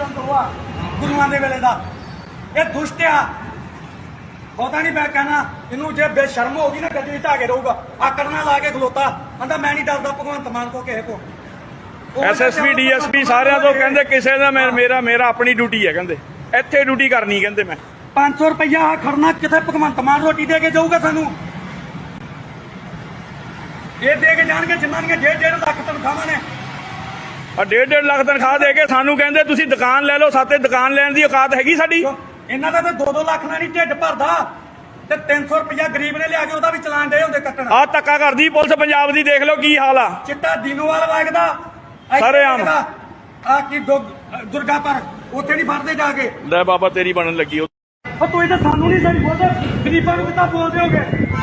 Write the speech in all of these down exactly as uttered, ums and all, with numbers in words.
ਚੰਦ ਹੋਆ ਗੁਰੂਆਂ ਦੇ ਵੇਲੇ ਦਾ ਇਹ ਦੁਸ਼ਟ ਆ ਪਤਾ ਨਹੀਂ ਮੈਂ ਕਹਿਣਾ ਇਹਨੂੰ ਜੇ ਬੇਸ਼ਰਮ ਹੋ ਗਈ ਨਾ ਗੱਡੀ ਢਾ ਕੇ ਰਹੂਗਾ ਆਕੜ ਨਾਲ ਲਾ ਕੇ ਖਲੋਤਾ ਕਹਿੰਦਾ ਮੈਂ ਨਹੀਂ ਡਰਦਾ ਭਗਵੰਤ ਮਾਨ ਕੋ ਕਿਸੇ ਕੋ ਐਸਐਸਪੀ ਡੀਐਸਪੀ ਸਾਰਿਆਂ ਤੋਂ ਕਹਿੰਦੇ ਕਿਸੇ ਦਾ ਮੈਂ ਮੇਰਾ ਮੇਰਾ ਆਪਣੀ ਡਿਊਟੀ ਹੈ ਕਹਿੰਦੇ ਇੱਥੇ ਡਿਊਟੀ ਕਰਨੀ ਕਹਿੰਦੇ ਮੈਂ ਪੰਜ ਸੌ ਰੁਪਇਆ ਖੜਨਾ ਕਿੱਥੇ ਭਗਵੰਤ ਮਾਨ ਰੋਟੀ ਦੇ ਕੇ ਜਾਊਗਾ ਸਾਨੂੰ ਇਹ ਦੇ ਕੇ ਜਾਣਗੇ ਜਿਨ੍ਹਾਂ ਦੀਆਂ ਡੇਢ ਡੇਢ ਲੱਖ ਤਨਖਾਹਾਂ ਨੇ ਆ ਡੇਢ ਡੇਢ ਲੱਖ ਤਨਖਾਹ ਦੇ ਕੇ ਸਾਨੂੰ ਕਹਿੰਦੇ ਤੁਸੀਂ ਦੁਕਾਨ ਲੈ ਲਓ ਸਾਤੇ ਦੁਕਾਨ ਲੈਣ ਦੀ ਔਕਾਤ ਹੈਗੀ ਸਾਡੀ ਇਹਨਾਂ ਦਾ ਤਾਂ ਦੋ ਦੋ ਲੱਖ ਨਾਲ ਨਹੀਂ ਢਿੱਡ ਭਰਦਾ ਤੇ ਤਿੰਨ ਸੌ ਰੁਪਇਆ ਗਰੀਬ ਨੇ ਲਿਆ ਕੇ ਉਹਦਾ ਵੀ ਚਲਾਨ ਦੇ ਹੁੰਦੇ ਕੱਟਣ ਆ ਧੱਕਾ ਕਰਦੀ ਪੁਲਿਸ ਪੰਜਾਬ ਦੀ ਦੇਖ ਲਓ ਕੀ ਹਾਲ ਆ ਚਿੱਟਾ ਦੀਨੋਵਾਲ ਵਗਦਾ ਸਰੇਆਮ। ਆ ਕੀ ਦੁਰਗਾ ਪਰ ਉੱਥੇ ਨਹੀਂ ਫੜਦੇ ਜਾ ਕੇ ਲੈ ਬਾਬਾ ਤੇਰੀ ਬਣਨ ਲੱਗੀ ਉਹ ਉਹ ਤੂੰ ਇਹ ਤਾਂ ਸਾਨੂੰ ਨਹੀਂ ਸਹੀ ਬੋਲਦਾ ਗਰੀਬਾਂ ਨੂੰ ਕਿੱਦਾਂ ਬੋਲਦੇ ਹੋਗੇ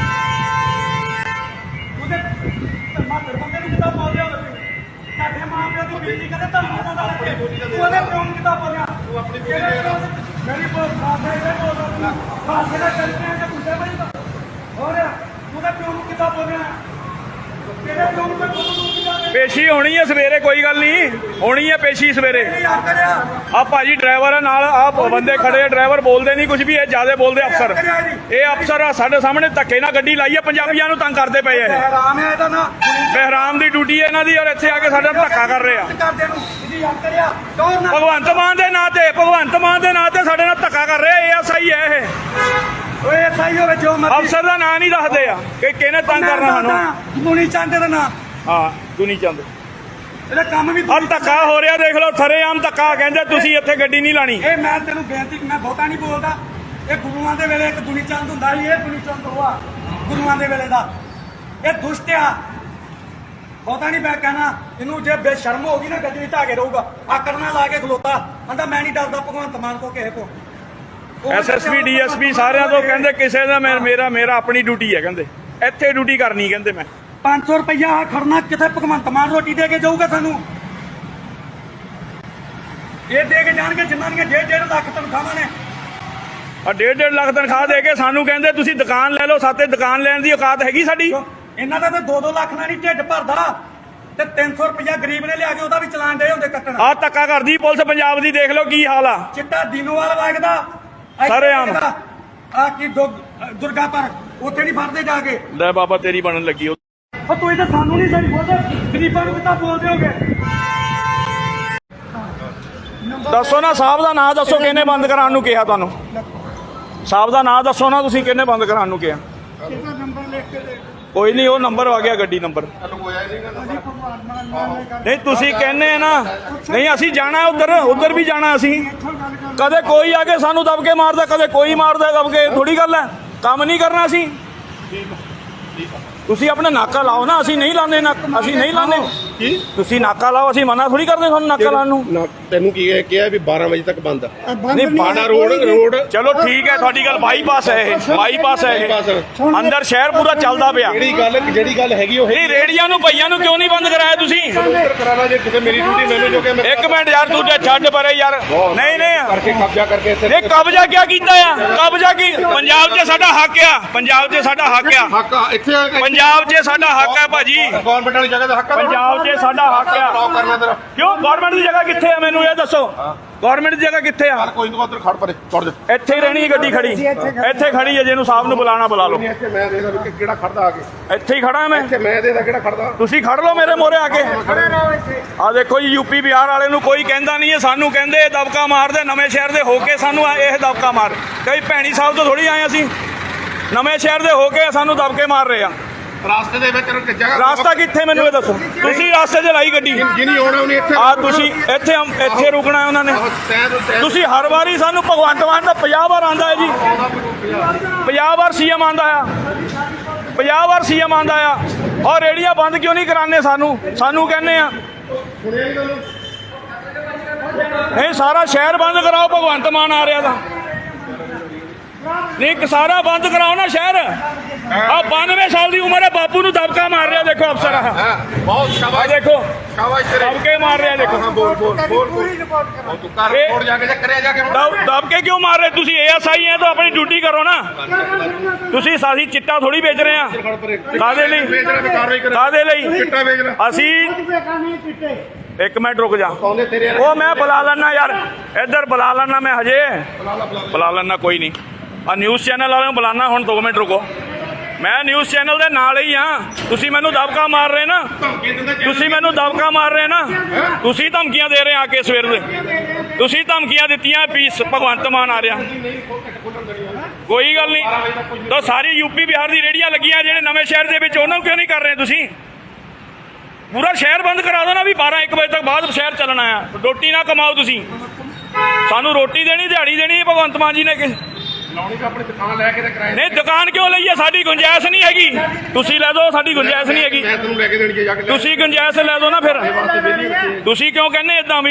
ਉਹਦੇ ਮਾਤਰ ਬੰਦੇ ਨੂੰ ਕਿੱਦਾਂ ਬੋਲਦੇ ਹੋਗੇ ਸਾਡੇ ਮਾਂ ਪਿਓ ਦੀ ਬੇਇੱਜ਼ਤੀ ਕਰਦੇ ਤਾਂ ਮਾਤਾ ਦਾ ਉਹਦੇ ਪਿਓ ਨੂੰ ਕਿੱਦਾਂ ਬੋਲਿਆ ਤੂੰ ਆਪਣੀ ਮੇਰੀ ਬੋਲ ਖਾਦੇ ਦੇ ਬੋਲਦਾ ਖਾਦੇ ਦਾ ਚੱਲਦੇ ਆ ਤੇ ਕੁੱਤੇ ਬਈ ਹੋਰ ਉਹਦੇ ਪਿਓ ਨੂੰ ਕਿੱਦਾਂ ਬੋਲਿਆ ਤੇਰੇ ਪਿਓ ਨੂੰ ਕਿੱਦਾਂ ਪੇਸ਼ੀ ਹੋਣੀ ਹੈ ਸਵੇਰੇ ਕੋਈ ਗੱਲ ਨਹੀਂ ਹੋਣੀ ਹੈ ਪੇਸ਼ੀ ਸਵੇਰੇ ਆ ਭਾਜੀ ਡਰਾਈਵਰ ਆ ਨਾਲ ਆ ਬੰਦੇ ਖੜੇ ਆ ਡਰਾਈਵਰ ਬੋਲਦੇ ਨਹੀਂ ਕੁਝ ਵੀ ਇਹ ਜਿਆਦਾ ਬੋਲਦੇ ਅਫਸਰ ਇਹ ਅਫਸਰ ਆ ਸਾਡੇ ਸਾਹਮਣੇ ਧੱਕੇ ਨਾਲ ਗੱਡੀ ਲਾਈ ਆ ਪੰਜਾਬੀਆਂ ਨੂੰ ਤੰਗ ਕਰਦੇ ਪਏ ਆ ਇਹ ਬਹਿਰਾਮ ਹੈ ਇਹਦਾ ਨਾ ਬਹਿਰਾਮ ਦੀ ਡਿਊਟੀ ਹੈ ਇਹਨਾਂ ਦੀ ਔਰ ਇੱਥੇ ਆ ਕੇ ਸਾਡੇ ਨਾਲ ਧੱਕਾ ਕਰ ਰਹੇ ਆ ਕਰਦੇ ਨੂੰ ਇਹਦੀ ਯਾਦ ਕਰਿਆ ਕੌਣ ਨਾ ਭਗਵੰਤ ਮਾਨ ਦੇ ਨਾਂ ਤੇ ਭਗਵੰਤ ਮਾਨ ਦੇ ਨਾਂ ਤੇ ਸਾਡੇ ਨਾਲ ਧੱਕਾ ਕਰ ਰਹੇ ਆ ਐਸਆਈ ਹੈ ਇਹ ਓਏ ਸਹੀ ਹੋਵੇ ਜੋ ਮਰਜ਼ੀ ਅਫਸਰ ਦਾ ਨਾਂ ਨਹੀਂ ਦੱਸਦੇ ਆ ਕਿ ਕਿਹਨੇ ਤੰਗ ਕਰਨਾ ਸਾਨੂੰ ਮੁਨੀ ਚੰਦ ਦਾ ਨਾਂ ਹਾਂ ਦੁਨੀ ਚੰਦ ਇਹਦਾ ਕੰਮ ਵੀ ਹਲ ਧੱਕਾ ਹੋ ਰਿਹਾ ਦੇਖ ਲਓ ਸਰੇਆਮ ਧੱਕਾ ਕਹਿੰਦੇ ਤੁਸੀਂ ਇੱਥੇ ਗੱਡੀ ਨਹੀਂ ਲਾਣੀ ਇਹ ਮੈਂ ਤੈਨੂੰ ਬੇਨਤੀ ਮੈਂ ਬਹੁਤਾ ਨਹੀਂ ਬੋਲਦਾ ਇਹ ਗੁਰੂਆਂ ਦੇ ਵੇਲੇ ਇੱਕ ਦੁਨੀ ਚੰਦ ਹੁੰਦਾ ਸੀ ਇਹ ਦੁਨੀ ਚੰਦ ਹੋਆ ਗੁਰੂਆਂ ਦੇ ਵੇਲੇ ਦਾ ਇਹ ਦੁਸ਼ਟ ਆ ਬਹੁਤਾ ਨਹੀਂ ਮੈਂ ਕਹਿਣਾ ਇਹਨੂੰ ਜੇ ਬੇਸ਼ਰਮ ਹੋ ਗਈ ਨਾ ਗੱਡੀ ਢਾ ਕੇ ਰਹੂਗਾ ਆਕੜ ਨਾਲ ਲਾ ਕੇ ਖਲੋਤਾ ਕਹਿੰਦਾ ਮੈਂ ਨਹੀਂ ਡਰਦਾ ਭਗਵੰਤ ਮਾਨ ਕੋ ਕਿਸੇ ਕੋ ਐਸਐਸਪੀ ਡੀਐਸਪੀ ਸਾਰਿਆਂ ਤੋਂ ਕਹਿੰਦੇ ਕਿਸੇ ਦਾ ਮੈਂ ਮੇਰਾ ਮੇਰਾ ਆਪਣੀ ਡਿਊਟੀ ਹੈ ਕਹਿੰਦੇ ਇੱਥੇ ਡਿਊਟੀ ਕਰਨੀ ਕਹਿੰਦੇ ਮੈਂ ਪੰਜ ਸੌ ਰੁਪਇਆ ਖੜਨਾ ਕਿੱਥੇ ਭਗਵੰਤ ਮਾਨ ਰੋਟੀ ਦੇ ਕੇ ਜਾਊਗਾ ਸਾਨੂੰ ਇਹ ਦੇ ਕੇ ਜਾਣਗੇ ਜਿਨ੍ਹਾਂ ਦੀਆਂ ਡੇਢ ਡੇਢ ਲੱਖ ਤਨਖਾਹਾਂ ਨੇ ਆ ਡੇਢ ਡੇਢ ਲੱਖ ਤਨਖਾਹ ਦੇ ਕੇ ਸਾਨੂੰ ਕਹਿੰਦੇ ਤੁਸੀਂ ਦੁਕਾਨ ਲੈ ਲਓ ਸਾਤੇ ਦੁਕਾਨ ਲੈਣ ਦੀ ਔਕਾਤ ਹੈਗੀ ਸਾਡੀ ਇਹਨਾਂ ਦਾ ਤਾਂ ਦੋ ਦੋ ਲੱਖ ਨਾਲ ਨਹੀਂ ਢਿੱਡ ਭਰਦਾ ਤੇ ਤਿੰਨ ਸੌ ਰੁਪਇਆ ਗਰੀਬ ਨੇ ਲਿਆ ਕੇ ਉਹਦਾ ਵੀ ਚਲਾਨ ਦੇ ਹੁੰਦੇ ਕੱਟਣ ਆ ਧੱਕਾ ਕਰਦੀ ਪੁਲਿਸ ਪੰਜਾਬ ਦੀ ਦੇਖ ਲਓ ਕੀ ਹਾਲ ਆ ਚਿੱਟਾ ਦੀਨੋਵਾਲ ਵਗਦਾ ਸਰੇਆਮ। ਆ ਕੀ ਦੁਰਗਾ ਪਰ ਉੱਥੇ ਨਹੀਂ ਫੜਦੇ ਜਾ ਕੇ ਲੈ ਬਾਬਾ ਤੇਰੀ ਬਣਨ ਲੱਗੀ ਉਹ ਉਹ ਤੂੰ ਇਹ ਤਾਂ ਸਾਨੂੰ ਨਹੀਂ ਸਹੀ ਬੋਲਦਾ ਗਰੀਬਾਂ ਨੂੰ ਕਿੱਦਾਂ ਬੋਲਦੇ ਹੋਗੇ ਦੱਸੋ ਨਾ ਸਾਹਿਬ ਦਾ ਨਾਂ ਦੱਸੋ ਕਿਹਨੇ ਬੰਦ ਕਰਾਉਣ ਨੂੰ ਕਿਹਾ ਤੁਹਾਨੂੰ ਸਾਹਿਬ ਦਾ ਨਾਂ ਦੱਸੋ ਨਾ ਤੁਸੀਂ ਕਿਹਨੇ ਬੰਦ ਕਰਾਉਣ ਨੂੰ ਕਿਹਾ ਇਹਦਾ ਨੰਬਰ ਲਿਖ ਕੇ ਦੇ ਕੋਈ ਨਹੀਂ ਉਹ ਨੰਬਰ ਆ ਗਿਆ ਗੱਡੀ ਨੰਬਰ ਨਹੀਂ ਤੁਸੀਂ ਕਹਿੰਦੇ ਆ ਨਾ ਨਹੀਂ ਅਸੀਂ ਜਾਣਾ ਉਧਰ ਉਧਰ ਵੀ ਜਾਣਾ ਅਸੀਂ ਕਦੇ ਕੋਈ ਆ ਕੇ ਸਾਨੂੰ ਦਬਕੇ ਮਾਰਦਾ ਕਦੇ ਕੋਈ ਮਾਰਦਾ ਦਬਕੇ ਥੋੜੀ ਗੱਲ ਹੈ ਕੰਮ ਨਹੀਂ ਕਰਨਾ ਅਸੀਂ ਤੁਸੀਂ ਆਪਣਾ ਨਾਕਾ ਲਾਓ ਨਾ ਅਸੀਂ ਨਹੀਂ ਲਾਉਂਦੇ ਨਾ ਅਸੀਂ ਨਹੀਂ ਲਾਉਂਦੇ ਕੀ ਤੁਸੀਂ ਨਾਕਾ ਲਾਓ ਅਸੀਂ ਮਨਾ ਥੋੜੀ ਕਰਦੇ ਤੁਹਾਨੂੰ ਨਾਕਾ ਲਾਉਣ ਨੂੰ ਨਾ ਤੈਨੂੰ ਕੀ ਹੈ ਕਿਹਾ ਵੀ ਬਾਰਾਂ ਵਜੇ ਤੱਕ ਬੰਦ ਆ ਨਹੀਂ ਬਾਣਾ ਰੋਡ ਰੋਡ ਚਲੋ ਠੀਕ ਹੈ ਤੁਹਾਡੀ ਗੱਲ ਬਾਈਪਾਸ ਹੈ ਇਹ ਬਾਈਪਾਸ ਹੈ ਇਹ ਅੰਦਰ ਸ਼ਹਿਰ ਪੂਰਾ ਚੱਲਦਾ ਪਿਆ ਜਿਹੜੀ ਗੱਲ ਜਿਹੜੀ ਗੱਲ ਹੈਗੀ ਉਹ ਨਹੀਂ ਰੇੜੀਆਂ ਨੂੰ ਭਈਆਂ ਨੂੰ ਕਿਉਂ ਨਹੀਂ ਬੰਦ ਕਰਾਇਆ ਤੁਸੀਂ ਕਰਾਣਾ ਜੇ ਕਿਤੇ ਮੇਰੀ ਡਿਊਟੀ ਮੈਨੂੰ ਜੋ ਕਿ ਮੈਂ ਇੱਕ ਮਿੰਟ ਯਾਰ ਤੂੰ ਤੇ ਛੱਡ ਪਰੇ ਯਾਰ ਨਹੀਂ ਨਹੀਂ ਕਰਕੇ ਕਬਜ਼ਾ ਕਰਕੇ ਇੱਥੇ ਇਹ ਕਬਜ਼ਾ ਕਿਆ ਕੀਤਾ ਆ ਕਬਜ਼ਾ ਕੀ ਪੰਜਾਬ 'ਚ ਸਾਡਾ ਹੱਕ ਆ ਪੰਜਾਬ 'ਚ ਸਾਡਾ ਹੱਕ ਆ ਹੱਕ ਆ, ਇੱਥੇ ਆ ਕੇ ਪੰਜਾਬ 'ਚ ਸਾਡਾ ਹੱਕ ਹੈ ਭਾਜੀ ਗਵਰਨਮੈਂਟ ਵਾਲੀ ਜਗ੍ਹਾ ਦਾ ਹੱਕ ਆ ਪੰਜਾਬ 'ਚ ਸਾਡਾ ਹੱਕ ਆ ਬਲੌਕ ਕਰਨਾ ਤੇਰਾ ਕਿਉਂ ਗਵਰਨਮੈਂਟ ਦੀ ਜਗ੍ਹਾ ਕਿੱਥੇ ਆ ਮੈਨੂੰ ਇਹ ਦੱਸੋ ਗਵਰਨਮੈਂਟ ਦੀ ਜਗ੍ਹਾ ਕਿੱਥੇ ਆ ਚੱਲ ਕੋਈ ਨਹੀਂ ਉਧਰ ਖੜ ਪਰੇ ਚੜ ਜਾ ਇੱਥੇ ਹੀ ਰਹਿਣੀ ਹੈ ਗੱਡੀ ਖੜੀ ਇੱਥੇ ਖੜੀ ਹੈ ਜਿਹਨੂੰ ਸਾਹਿਬ ਨੂੰ ਬੁਲਾਣਾ ਬੁਲਾ ਲਓ ਇੱਥੇ ਮੈਂ ਦੇਖਦਾ ਵੀ ਕਿਹੜਾ ਖੜਦਾ ਆ ਕੇ ਇੱਥੇ ਹੀ ਖੜਾ ਮੈਂ ਇੱਥੇ ਮੈਂ ਦੇਖਦਾ ਕਿਹੜਾ ਖੜਦਾ ਤੁਸੀਂ ਖੜ ਲਓ ਮੇਰੇ ਮੋਹਰੇ ਆ ਕੇ ਆ ਦੇਖੋ ਜੀ ਯੂਪੀ ਬਿਹਾਰ ਵਾਲੇ ਨੂੰ ਕੋਈ ਕਹਿੰਦਾ ਨਹੀਂ ਹੈ ਸਾਨੂੰ ਕਹਿੰਦੇ ਇਹ ਦਬਕਾ ਮਾਰਦੇ ਨਵੇਂ ਸ਼ਹਿਰ ਦੇ ਹੋ ਕੇ ਸਾਨੂੰ ਇਹ ਦਬਕਾ ਮਾਰ ਕਈ ਭੈਣੀ ਸਾਹਿਬ ਤੋਂ ਥੋੜੀ ਆਏ ਅਸੀਂ ਨਵੇਂ ਸ਼ਹਿਰ ਦੇ ਹੋ ਕੇ ਸਾਨੂੰ ਦਬਕੇ ਮਾਰ ਰਹੇ ਆ ਰਾਸਤੇ ਦੇ ਵਿੱਚ ਜਗ੍ਹਾ ਰਾਸਤਾ ਕਿੱਥੇ ਮੈਨੂੰ ਇਹ ਦੱਸੋ ਤੁਸੀਂ ਰਾਸਤੇ 'ਚ ਲਾਈ ਗੱਡੀ ਜਿਨੀ ਆਉਣਾ ਉਹਨੇ ਇੱਥੇ ਆ ਤੁਸੀਂ ਇੱਥੇ ਇੱਥੇ ਰੁਕਣਾ ਉਹਨਾਂ ਨੇ ਤੁਸੀਂ ਹਰ ਵਾਰੀ ਸਾਨੂੰ ਭਗਵੰਤ ਮਾਨ ਦਾ ਪੰਜਾਹ ਵਾਰ ਆਂਦਾ ਹੈ ਜੀ ਪੰਜਾਹ ਵਾਰ ਸੀਐਮ ਆਂਦਾ ਆ ਪੰਜਾਹ ਵਾਰ ਸੀਐਮ ਆਂਦਾ ਆ ਔਰ ਰੇੜੀਆਂ ਬੰਦ ਕਿਉਂ ਨਹੀਂ ਕਰਾਉਂਦੇ ਸਾਨੂੰ ਸਾਨੂੰ ਕਹਿੰਦੇ ਆ ਨਹੀਂ ਸਾਰਾ ਸ਼ਹਿਰ ਬੰਦ ਕਰਾਓ ਭਗਵੰਤ ਮਾਨ ਆ ਰਿਹਾ ਤਾਂ ਨਹੀਂ ਸਾਰਾ ਬੰਦ ਕਰਾਓ ਨਾ ਸ਼ਹਿਰ ਆ ਬਾਨਵੇਂ ਸਾਲ ਦੀ ਉਮਰ ਹੈ ਬਾਪੂ ਨੂੰ ਦਬਕਾ ਮਾਰ ਰਿਹਾ ਦੇਖੋ ਅਫਸਰ ਆ ਬਹੁਤ ਸ਼ਾਬਾਸ਼ ਦੇਖੋ ਸ਼ਾਬਾਸ਼ ਤੇਰੇ ਦਬਕੇ ਮਾਰ ਰਿਹਾ ਦੇਖੋ ਬੋਲ ਬੋਲ ਬੋਲ ਉਹ ਤੂੰ ਕਰ ਰਿਪੋਰਟ ਜਾ ਕੇ ਜੇ ਕਰਿਆ ਜਾ ਕੇ ਦਬਕੇ ਕਿਉਂ ਮਾਰ ਰਹੇ ਤੁਸੀਂ ਏਐਸਆਈ ਹੈ ਤਾਂ ਆਪਣੀ ਡਿਊਟੀ ਕਰੋ ਨਾ ਤੁਸੀਂ ਸਾਡੀ ਚਿੱਟਾ ਥੋੜੀ ਵੇਚ ਰਹੇ ਆ ਕਾਦੇ ਲਈ ਕਾਦੇ ਲਈ ਚਿੱਟਾ ਵੇਚ ਲੈ ਅਸੀਂ ਇੱਕ ਮਿੰਟ ਰੁਕ ਜਾ ਉਹ ਮੈਂ ਬੁਲਾ ਲੈਣਾ ਯਾਰ ਇੱਧਰ ਬੁਲਾ ਲੈਣਾ ਮੈਂ ਹਜੇ ਬੁਲਾ ਲੈਣਾ ਕੋਈ ਨਹੀਂ ਆ ਨਿਊਜ਼ ਚੈਨਲ ਵਾਲਿਆਂ ਨੂੰ ਬੁਲਾਣਾ ਹੁਣ ਦੋ ਮਿੰਟ ਰੁਕੋ ਮੈਂ ਨਿਊਜ਼ ਚੈਨਲ ਦੇ ਨਾਲ ਹੀ ਆ ਤੁਸੀਂ ਮੈਨੂੰ ਦਬਕਾ ਮਾਰ ਰਹੇ ਨਾ ਤੁਸੀਂ ਮੈਨੂੰ ਦਬਕਾ ਮਾਰ ਰਹੇ ਨਾ ਤੁਸੀਂ ਧਮਕੀਆਂ ਦੇ ਰਹੇ ਆ ਕੇ ਸਵੇਰ ਦੇ ਤੁਸੀਂ ਧਮਕੀਆਂ ਦਿੱਤੀਆਂ ਪੀਸ ਭਗਵੰਤ ਮਾਨ ਆ ਰਿਹਾ ਕੋਈ ਗੱਲ ਨਹੀਂ ਤਾਂ ਸਾਰੀ ਯੂਪੀ ਬਿਹਾਰ ਦੀ ਰੇਹੜੀਆਂ ਲੱਗੀਆਂ ਜਿਹੜੇ ਨਵੇਂ ਸ਼ਹਿਰ ਦੇ ਵਿੱਚ ਉਹਨਾਂ ਨੂੰ ਕਿਉਂ ਨਹੀਂ ਕਰ ਰਹੇ ਤੁਸੀਂ ਪੂਰਾ ਸ਼ਹਿਰ ਬੰਦ ਕਰਾ ਦੋ ਨਾ ਵੀ ਬਾਰਾਂ ਇੱਕ ਵਜੇ ਤੱਕ ਬਾਅਦ ਸ਼ਹਿਰ ਚੱਲਣਾ ਆ ਰੋਟੀ ਨਾ ਕਮਾਓ ਤੁਸੀਂ ਸਾਨੂੰ ਰੋਟੀ ਦੇਣੀ ਦਿਹਾੜੀ ਦੇਣੀ ਭਗਵੰਤ ਮਾਨ ਜੀ ਨੇ ਕਿ ਲਾਉਣੀ ਤਾਂ ਆਪਣੀ ਦੁਕਾਨ ਲੈ ਕੇ ਤੇ ਕਿਰਾਏ ਨਹੀਂ ਦੁਕਾਨ ਕਿਉਂ ਲਈ ਹੈ ਸਾਡੀ ਗੁੰਜਾਇਸ਼ ਨਹੀਂ ਹੈਗੀ ਤੁਸੀਂ ਲੈ ਦਿਓ ਸਾਡੀ ਗੁੰਜਾਇਸ਼ ਨਹੀਂ ਹੈਗੀ ਮੈਂ ਤੈਨੂੰ ਲੈ ਕੇ ਦੇਣੀ ਹੈ ਜਾ ਕੇ ਤੁਸੀਂ ਗੁੰਜਾਇਸ਼ ਲੈ ਦਿਓ ਨਾ ਫਿਰ ਤੁਸੀਂ ਕਿਉਂ ਕਹਿੰਦੇ ਇਦਾਂ ਵੀ